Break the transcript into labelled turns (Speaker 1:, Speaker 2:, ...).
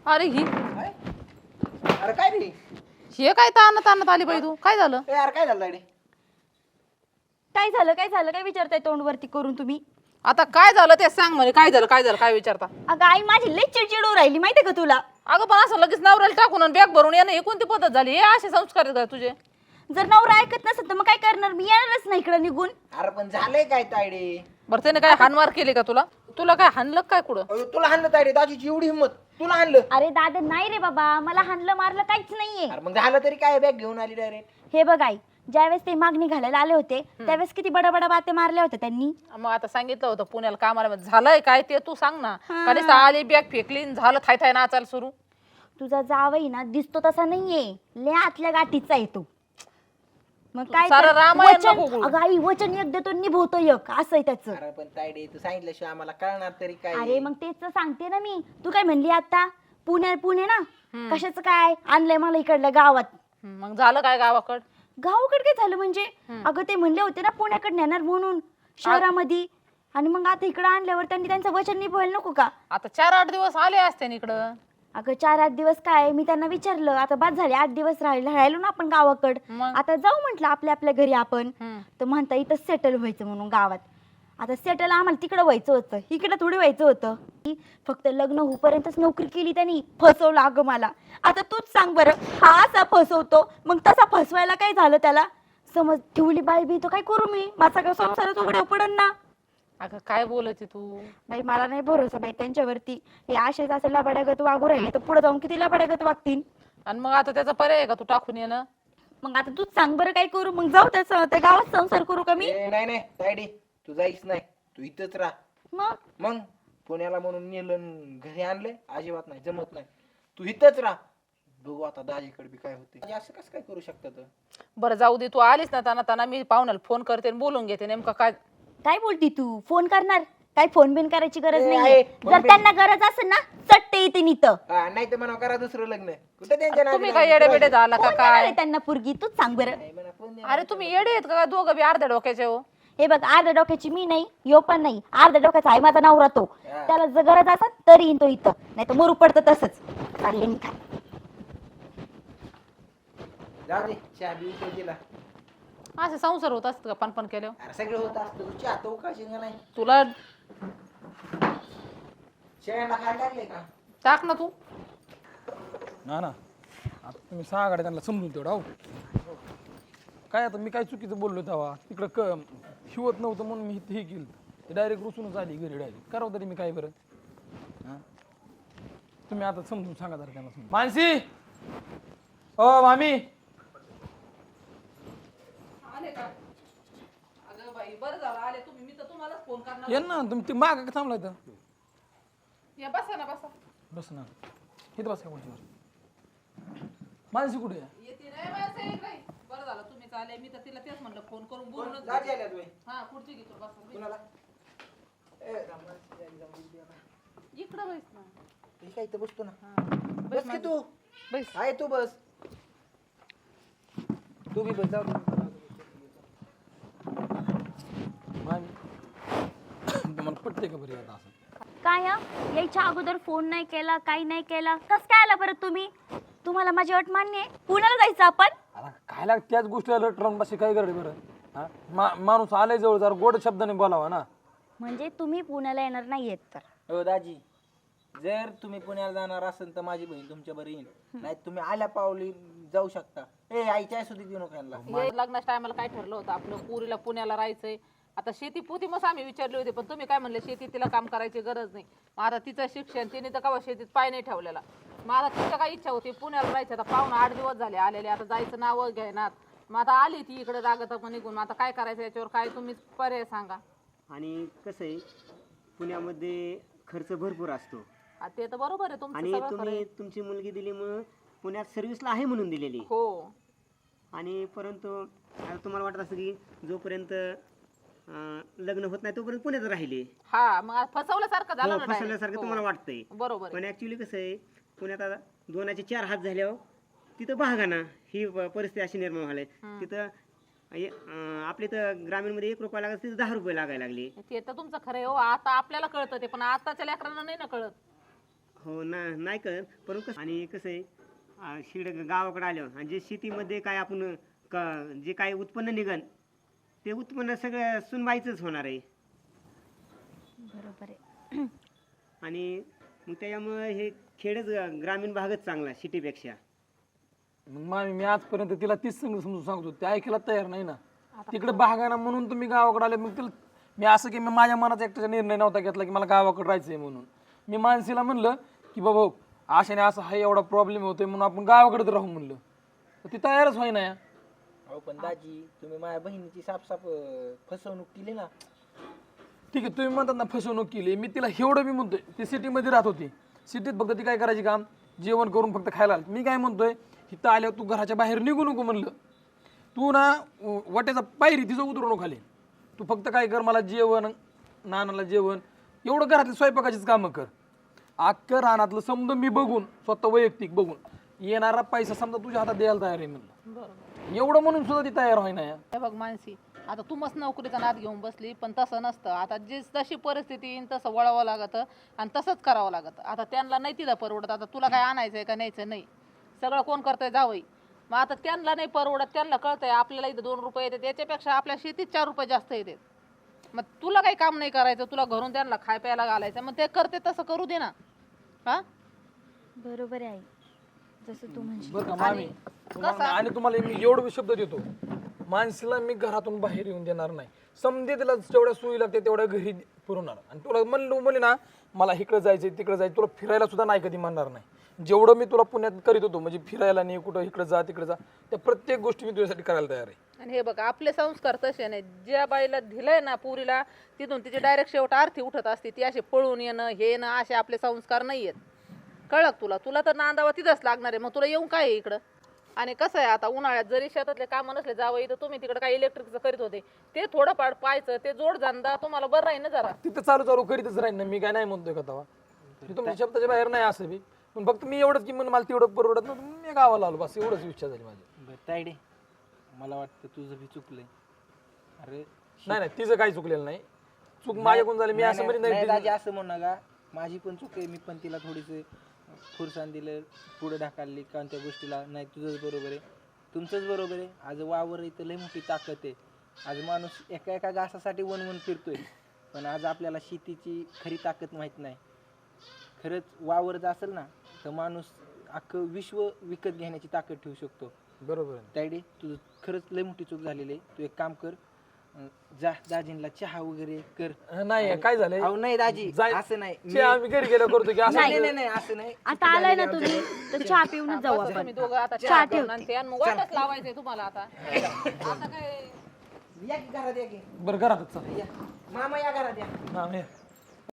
Speaker 1: अरे ही
Speaker 2: काय? अरे काय रे?
Speaker 1: हे काय ताणत ताणत आली बाई तू, काय झालं?
Speaker 2: ए यार काय झालं रे?
Speaker 3: काय झालं काय झालं काय विचारताय तोंडवरती करून तुम्ही?
Speaker 1: आता काय झालं ते सांग म्हणे. काय झालं काय झालं काय विचारता?
Speaker 3: अगं आई माझी लई चिडचिड राहिली माहितीये का तुला?
Speaker 1: अगं पण असं लगेच नवऱ्याला टाकून आणि बॅग भरून येणं ही कोणती पद्धत झाली? हे असे संस्कार आहेत का तुझे?
Speaker 3: जर नवरा ऐकत नसेल तर मग काय करणार? मी येणारच नाही इकडे निघून.
Speaker 2: अरे पण झालंय काय तायडे?
Speaker 1: बरं त्याने काय हानमार केली का तुला? तुला काय हाणलं काय कुठं?
Speaker 2: अयो, तुला हाणलं तायडे, दाजीची एवढी हिंमत, तुला हाणलं?
Speaker 3: अरे दादा नाही रे बाबा, मला हाणलं मारलं काहीच नाहीये.
Speaker 2: अरे मग झालं तरी काय, बॅग घेऊन आली डायरेक्ट.
Speaker 3: हे बघ आई, ज्यावेळेस ते मागणी घालायला आले होते त्यावेळेस किती बडा बडा बाते मारल्या होत्या त्यांनी.
Speaker 1: मग आता सांगितलं होतं पुण्याला कामाला, मग झालंय काय ते तू सांग ना. कधीच आली बॅग फेकली आणि झालं थाय थाय नाचायला सुरू.
Speaker 3: तुझा जावई ना दिसतो तसा नाहीये, लय आतल्या गाठीचा येतो. मग काय
Speaker 1: सारं
Speaker 3: तर
Speaker 1: रामायण
Speaker 3: वचन-
Speaker 1: नको बोलू.
Speaker 3: अगं आई वचन एक देतो निभवतो एक, असं आहे त्याचं.
Speaker 2: अरे पण तायडे तू सांगितल्याशिवाय आम्हाला कळणार तरी काय?
Speaker 3: अरे मग तेच तर सांगते ना मी. तू काय म्हणली आता पुणे ना, कशाचं काय आणलंय मला इकडल्या गावात?
Speaker 1: मग झालं काय गावाकड?
Speaker 3: गावाकडे काय झालं म्हणजे? अगं ते म्हणले होते ना पुण्याकडे नेणार म्हणून शहरामध्ये, आणि मग आता इकडे आणल्यावर त्यांनी त्यांचं वचन निभवायला नको का?
Speaker 1: आता 4-8 दिवस आले असते ना इकडं.
Speaker 3: अगं 4-8 दिवस काय, मी त्यांना विचारलं आता बाद झाले 8 दिवस राहिलो ना आपण गावाकड,
Speaker 1: मग?
Speaker 3: आता जाऊ म्हटलं आपल्या आपल्या घरी आपण.
Speaker 1: हम्म.
Speaker 3: तर म्हणता इथं सेटल व्हायचं म्हणून गावात. आता सेटल आम्हाला तिकडं व्हायचं होतं, इकडं थोडी व्हायचं होतं. फक्त लग्न होईपर्यंतच नोकरी केली त्यांनी, फसवलं अगं मला. आता तूच सांग बरं, हा असा फसवतो मग तसा फसवायला काय झालं त्याला? समज ठेवली बाई बी तर काय करू मी? माझा का संसारच उघड्या पडन ना.
Speaker 1: अगं काय बोलते तू?
Speaker 3: बाई मला नाही भरोसा बाई त्यांच्यावरती. हे असेच असं लबाड्यागत वागू राहिले तर पुढे जाऊन किती लबाड्यागत वागतील.
Speaker 1: आणि मग आता त्याचा पर्याय आहे का तू टाकून येणं?
Speaker 3: मग आता तूच सांग बरं काय करू? मग जाऊ त्या गावात संसार करू का मी?
Speaker 2: ए, नाही नाही तायडे, तू जाईच नाही, तू इथंच राह.
Speaker 3: मग
Speaker 2: मग पुण्याला म्हणून नेलं आणि घरी आणलंय, अजिबात नाही, जमत नाही. तू इथंच राह, बघू आता दाजीकडे बी काय होते. असं कसं काय करू शकतात?
Speaker 1: बरं जाऊ दे, तू आलीस ना ताना मी पाहुण्याला फोन करते आणि बोलून घेते नेमकं काय.
Speaker 3: काय बोलती तू? फोन करणार? काय फोन बिन करायची गरज
Speaker 2: ए,
Speaker 3: नाहीये.
Speaker 2: आहे, फोन
Speaker 3: जर
Speaker 2: बिन.
Speaker 3: त्यांना गरज असेल ना चट्टे येते इथं.
Speaker 2: नाही तर म्हणा करा दुसरं लग्न. कुठे त्यांच्या
Speaker 1: तुम्ही
Speaker 2: नादी
Speaker 1: काय
Speaker 2: लागून
Speaker 1: येडे बेडे
Speaker 2: फिरायचं?
Speaker 1: झाला का
Speaker 3: कोण देणार
Speaker 1: काय?
Speaker 3: आहे त्यांना पुरगी? तूच सांग बरं.
Speaker 2: नाही म्हणा, कोण देणार?
Speaker 1: अरे तुम्ही येडे आहेत का दोघं बी अर्ध्या डोक्याचे हो?
Speaker 3: हे बघ, अर्ध्या डोक्याची मी नाही, यो पण नाही, अर्ध्या डोक्याचा आहे माझा नवरा तो.
Speaker 2: हा.
Speaker 3: त्याला जर गरज असेल तरी येईन तो इथं, नाही तर मरू पडतं तसंच. चालले मी काय.
Speaker 2: जाऊ दे, चहा बी इथे दिला.
Speaker 1: असे संसार होत असत का पणपण केल्यावर?
Speaker 2: अरे सगळं होत असतं, तू चहा तर उकाळशील का नाही?
Speaker 1: तुला
Speaker 2: शेळ्यांना खायला लागले का?
Speaker 1: टाक ना तू.
Speaker 4: ना ना आता तुम्ही 6 गाड्या त्यांना समजून तेवढा हो. काय आता मी काय चुकीचं बोललो तेव्हा तिकडं हिवत नव्हतं म्हणून मी हे केलं. ते डायरेक्ट रुसूनच आली घरी डायरेक्ट. करावं तरी मी काय बरं? हां तुम्ही आता समजून सांगा जरा त्यांना. मानसी, ओ मामी,
Speaker 1: आले का? अगं बाई बरं झालं आले तुम्ही, मी तर तुम्हालाच फोन करणार.
Speaker 4: ये ना तुम्ही ते माग का थांबलाय तर?
Speaker 1: या बसा ना बसा.
Speaker 4: बस ना, इथं बस का कोणती? मानसी कुठे आहे?
Speaker 1: येते नाही माणसं येत नाही. बरं झालं तुम्हीच आले, मी तर तिला तेच म्हणलं फोन करून बोलूनच
Speaker 2: दाजी
Speaker 1: घेऊ.
Speaker 2: आल्या तुम्ही?
Speaker 1: हा खुर्ची घेतो बसा.
Speaker 2: कुणाला? ए, रामाची दाजी जाऊन दे ना.
Speaker 1: इकडं बैस ना.
Speaker 2: मी काय इथं बसतो ना.
Speaker 1: हा.
Speaker 2: बस की तू.
Speaker 1: बैस.
Speaker 2: आहे तू बस. तू बी बस, जाऊ दे.
Speaker 4: मामी तुम्हाला पटते का बरं आता असं?
Speaker 3: काय हं? यायच्या अगोदर फोन नाही केला, काही नाही केला, कस काय आला परत तुम्ही? तुम्हाला माझी अट मान्य आहे? पुण्याला जायचं आपण?
Speaker 4: आता काय लाग त्याच गोष्टीला लट राहून बसे काय करते बरं? हा माणूस आलाय जवळ जरा गोड शब्दाने बोलावा ना.
Speaker 3: म्हणजे तुम्ही पुण्याला येणार नाहीयेत तर?
Speaker 2: हो दाजी, जर तुम्ही पुण्याला जाणार असेल तर माझी बहीण तुमच्या बरं येईल. नाही तुम्ही आल्या पावली जाऊ शकता. ए आईच्या सुधी देऊ नका यांना.
Speaker 1: लग्नाच्या टायमाला काय ठरलं होतं आपलं? पुरीला पुण्याला राहायचंय. आता शेती पोती मग आम्ही विचारले होते, पण तुम्ही काय म्हणले शेती तिला काम करायची गरज नाही. मग आता तिचं शिक्षण, तिने तर कवा शेतीत पाय नाही ठेवलेला. मग आता तिच्या काय इच्छा होती पुण्याला राहायची. आता पाहुणा 8 दिवस झाले आलेले, आता जायचं नाव घेणार. मग आता आली ती इकडे रागत निघून. मग आता काय करायचं याच्यावर काय तुम्हीच पर्याय सांगा.
Speaker 5: आणि कसं आहे, पुण्यामध्ये खर्च भरपूर असतो.
Speaker 1: हा, ते तर बरोबर आहे तुमचं
Speaker 5: आणि
Speaker 1: सगळं खरं
Speaker 5: तुम्ही
Speaker 1: आहे.
Speaker 5: तुमची मुलगी दिली मग पुण्यात सर्व्हिसला आहे म्हणून दिलेली.
Speaker 1: हो
Speaker 5: आणि परंतु आता तुम्हाला वाटत असं की जोपर्यंत लग्न होत नाही तोपर्यंत पुण्यात राहिले.
Speaker 1: हा, मग फसवल्यासारखं झालं
Speaker 5: हो,
Speaker 1: ना direct.
Speaker 5: फसवल्यासारखं
Speaker 1: हो.
Speaker 5: तुम्हाला वाटतंय.
Speaker 1: बरोबर आहे.
Speaker 5: पण ऍक्च्युली कसं आहे, पुण्यात आता 2चे 4 हात झाल्यावर तिथं बघा ही परिस्थिती अशी निर्माण व्हायला. तिथं आपले तर ग्रामीणमध्ये 1 रुपया लागत, तिथं 10 रुपये लागायला लागले.
Speaker 1: ते तर तुमचं खरं आहे हो. आता आपल्याला कळतं ते, पण आताच्या लेकरांना नाही ना कळत.
Speaker 5: हो ना, नाही कळत पण कसं आणि कसं आहे शिड गावाकडे आल्यावर आणि जे शेतीमध्ये काय आपण जे काय उत्पन्न निघन ते उत्पन्न सगळं सुनबाईचंच होणार आहे.
Speaker 3: बरोबर आहे.
Speaker 5: आणि मग त्याच्यामुळे हे खेडच ग्रामीण भागच चांगला सिटीपेक्षा.
Speaker 4: मग मामी मी आजपर्यंत तिला तीच समजून सांगतो ते ऐकायला तयार नाही ना. तिकडे भागाना म्हणून तुम्ही गावाकडे आले. मग तिला मी असं की मी माझ्या मनाचा एकट्याचा निर्णय नव्हता घेतला की मला गावाकडे राहायचंय म्हणून. मी मानसीला म्हणलं की बाबा अशाने असं हा एवढा प्रॉब्लेम होतोय म्हणून आपण गावाकडेच राहू म्हणलं. तर ती तयारच होईना या.
Speaker 2: अहो पण दाजी तुम्ही माझ्या बहिणीची साफ फसवणूक केली ना.
Speaker 4: ठीक आहे तुम्ही म्हणतात ना फसवणूक केली. मी तिला एवढं बी म्हणतोय ती सिटीमध्ये राहत होती. सिटीत फक्त ती काय करायची काम जेवण करून फक्त खायला. मी काय म्हणतोय इथं आल्यावर तू घराच्या बाहेर निघू नको म्हणलं. तू ना वाट्याचा पायरी तिचं उतरू नको खाली. तू फक्त काय कर मला जेवण नानाला जेवण एवढं घरातली स्वयंपाकाचीच कामं कर. अख्खं रानातलं समजा मी बघून स्वतः वैयक्तिक बघून येणारा पैसा समजा तुझ्या हातात द्यायला तयार आहे म्हणलं.
Speaker 1: बरोबर.
Speaker 4: एवढं म्हणून सुद्धा ती तयार होईना या.
Speaker 1: हे बघ मानसी, आता तू मस्त नोकरीचा नाद घेऊन बसली पण तसं नसतं. आता जी तशी परिस्थिती येईन तसं वळावं लागतं आणि तसंच करावं लागतं. आता त्यांना नाही तिथं परवडत. आता तुला काय आणायचंय का न्यायचं नाही सगळं कोण करतंय जावई. मग आता त्यांना नाही परवडत. त्यांना कळतंय आपल्याला इथं 2 रुपये येतात याच्यापेक्षा आपल्या शेतीत 4 रुपये जास्त येतात. मग तुला काही काम नाही करायचं. तुला घरून त्यांना खाय प्यायला घालायचं. मग ते करते तसं करू दे ना. हा
Speaker 3: बरोबर आहे आई, जसं तू म्हणशील.
Speaker 4: बरं का मामी आणि तुम्हाला मी एवढं शब्द देतो माणसाला मी घरातून बाहेर येऊन देणार नाही. समजे तिला जेवढ्या सोयी लागते तेवढ्या घरी पुरवणार. आणि तुला म्हणलं ना मला इकडं जायचंय तिकडं जायचं तुला फिरायला सुद्धा नाही कधी म्हणणार नाही. जेवढं मी तुला पुण्यात करीत होतो म्हणजे फिरायला नाही कुठं इकडं जा तिकडे जा त्या प्रत्येक गोष्टी मी तुझ्यासाठी करायला तयार आहे.
Speaker 1: आणि हे बघ आपले संस्कार तसे नाही. ज्या बाईला दिलंय ना पुरीला तिथून तिची डायरेक्ट शेवट आरती उठत असते. ती असे पळून येणं हे येणं असे आपले संस्कार नाही आहेत. कळक तुला. तुला तर नांदावा तिथंच लागणार आहे. मग तुला येऊन काय आहे इकडं. आणि कसं आहे आता उन्हाळ्यात जरी शेतातले कामं नसले जावं इथं तुम्ही तिकडे काही इलेक्ट्रिकचं करीत होते ते थोडंफार पाहायचं ते जोड धंदा तुम्हाला बरं राहील ना जरा.
Speaker 4: तिथं चालू करीतच राहील ना मी काय नाही म्हणतोय का तवा. तुमच्या शब्दाच्या बाहेर नाही असं बी पण फक्त मी एवढंच की मला तेवढं परवडत नव्हतं मी गावाला आलो बस एवढंच इच्छा झाली माझी.
Speaker 2: बरं तायडे मला वाटतं तुझं बी चुकलंय. अरे
Speaker 4: नाही तिचं काही चुकलेलं नाही. चूक माझ्याकडून झाली. मी असं म्हणजे
Speaker 2: नाही दाजी
Speaker 4: नाही
Speaker 2: असं म्हणू नका. माझी पण चूक आहे. मी पण तिला थोडीशी फुरसाण दिलं पुढे ढाकालली कारण त्या गोष्टीला. नाही तुझंच बरोबर आहे तुमचंच बरोबर आहे. आज वावर इथं लय मोठी ताकद आहे. आज माणूस एका घासासाठी वन फिरतोय पण आज आपल्याला शेतीची खरी ताकद माहित नाही. खरंच वावर जर असेल ना तर माणूस अख्खं विश्व विकत घेण्याची ताकद ठेवू शकतो.
Speaker 4: बरोबर आहे.
Speaker 2: तायडे तुझं खरंच लय मोठी चूक झालेली आहे. तू एक काम कर जा दाजींला चहा वगैरे कर.
Speaker 4: नाही काय झालंय
Speaker 2: अहो नाही दाजी
Speaker 4: जाय-
Speaker 2: असं नाही.
Speaker 4: ते आम्ही घरी गेलो करतो की असं
Speaker 2: नाही नाही नाही असं नाही.
Speaker 3: आता आलाय ना तुम्ही तर चहा पिऊनच जाऊ
Speaker 1: बस
Speaker 3: आपण.
Speaker 1: तुम्ही दोघं आता
Speaker 3: चहा
Speaker 1: चहा
Speaker 3: ठेव.
Speaker 1: करून आणते आणि मग वाटच लावायचंय तुम्हाला आता. आता काय
Speaker 2: या की घरात या की
Speaker 4: बरं घरातच चल.
Speaker 2: या मामा या घरात या.
Speaker 4: हा, ये.